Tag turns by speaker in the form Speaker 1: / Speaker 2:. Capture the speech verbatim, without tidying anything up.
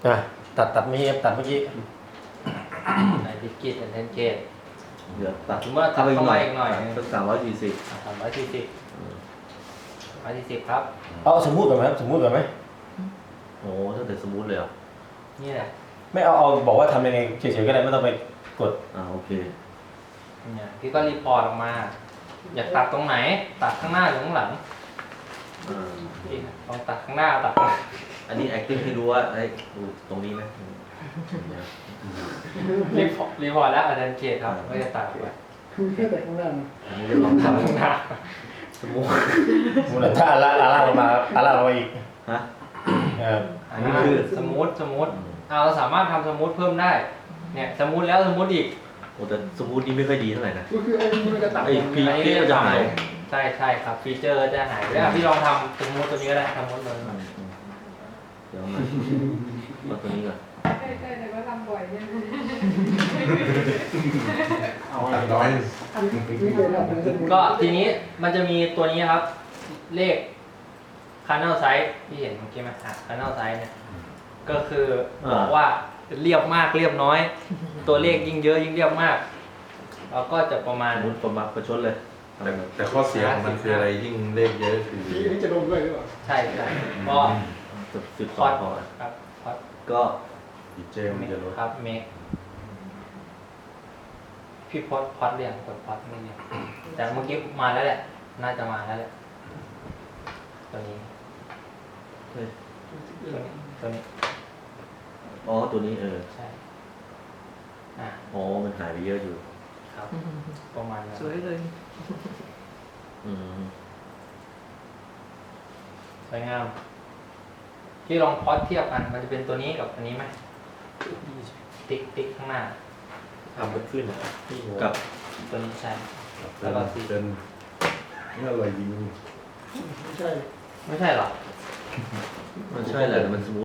Speaker 1: อ่ะตัดตัดเมื่อกี้ตัดเมื่อกี้
Speaker 2: ในดิกิตเทนเกต
Speaker 3: เดี๋ยวตัด
Speaker 2: ถือว่าตัดเข้ามาอีกหน่อย
Speaker 3: สักสามร้อยสี่สิบ
Speaker 2: สามร้อยสี่สิบร้อยสี่สิบครับ
Speaker 1: เอาสมมุติก่อนไหมครับสมมุติก่อนไหม
Speaker 3: โอ้ตั้งแต่สมูทเลยเหรอ
Speaker 2: นี่แหละ
Speaker 1: ไม่เอาเอาบอกว่าทำยังไงเฉยๆก็ได้ไม่ต้องไปกด
Speaker 3: อ่าโอเค
Speaker 2: เนี่ยพี่ก็รีพอร์ตออกมา อยากตัดตรงไหน ตัดข้างหน้าหรือข้างหลัง
Speaker 3: อ่า
Speaker 2: พี่ลองตัดข้างหน้าตัดข้างหลัง
Speaker 3: อันนี้ acting ให้ดูว่าไอ้ดูตรงนี้ไหม
Speaker 2: รีพอร์ตรีพอร์ตแล้วอาจารย์เกตครับก็จะตัดไป
Speaker 4: คือแค่แต่ข้างหน้า
Speaker 3: อันนี้จะลอง
Speaker 2: ตัด
Speaker 3: ทำ
Speaker 2: ข้างหน้า
Speaker 3: สมูท
Speaker 1: มูลค่าละละล่างลงมาละล่างลงมาอีก
Speaker 3: ฮะ
Speaker 1: เออ
Speaker 2: อันนี้คือสมูทสมูทเอาเราสามารถทำสมูทเพิ่มได้ เนี่ยสมูทแล้วสมูทอีก
Speaker 3: โอ้แต่สมูทนี่ไม่ค่อยดีเท่าไหร่นะ
Speaker 4: ก็คือไอ้นี่มันจะตัด
Speaker 3: ไอ้พี่
Speaker 2: อันนี้
Speaker 3: พี่ก็จะหาย
Speaker 2: ใช่ใช่ครับฟีเจอร์จะหายไปแล้วพี่ลองทำสมูทตัวนี้ก็ได้สมูทตัวนี้
Speaker 3: เดี๋ยวมามาตัวนี้ก่อน
Speaker 5: ใช่ใช่แต่ว่าทำบ่อยใช่ไหม
Speaker 4: เอาอะไรร้อยนี่เลยครับ
Speaker 2: ก็ทีนี้มันจะมีตัวนี้ครับ เลข Kernel Size ที่เห็นเมื่อกี้ไหมอ่ะ Kernel Size เนี่ยก็คือบอกว่าเรียบมากเรียบน้อย ตัวเลขยิ่งเยอะยิ่งเรียบมากเราก็จะประมาณ
Speaker 3: สมูทประมาณประชดเลย
Speaker 6: แต่แต่ข้อเสียของมันคืออะไรยิ่งเลขเยอะคือ
Speaker 4: นี่นี่จะลงด้วยหรือเปล่า
Speaker 2: ใช่ใช่ก็
Speaker 3: สิบสิบ
Speaker 2: พ
Speaker 3: ส
Speaker 2: อ
Speaker 3: อง
Speaker 2: ด
Speaker 3: พอ
Speaker 2: ครับพอด
Speaker 3: ก็
Speaker 6: ดีเจมันจะลด
Speaker 2: ครับเมคพี่พอดพอดเรียงกดพอดไม่เรียงแต่เมื่อกี้มาแล้วแหละ น่าจะมาแล้วแหละตัวนี้
Speaker 3: เฮ้ย
Speaker 2: ตัวนี้ตัวนี้
Speaker 3: อ๋อตัวนี้เออ
Speaker 2: ใช่อ่ะ
Speaker 3: อ๋อมันหายไปเยอะอยู่
Speaker 2: ครับ ประมาณนั้น
Speaker 5: สวยเลย
Speaker 3: อืม
Speaker 2: สวยงามที่ลองพอดเทียบกันมันจะเป็นตัวนี้กับอันนี้ไหมติ๊กติ๊กข้างหน้า
Speaker 1: ทำมันขึ้นที่หัว
Speaker 3: กับ
Speaker 2: ตัวนี้ใช่
Speaker 6: เป็นเป็นนี่อะไรยิง
Speaker 4: ไม่ใช่
Speaker 2: ไม่ใช่หรอ
Speaker 3: มันใช่แหละแต่มันสมูท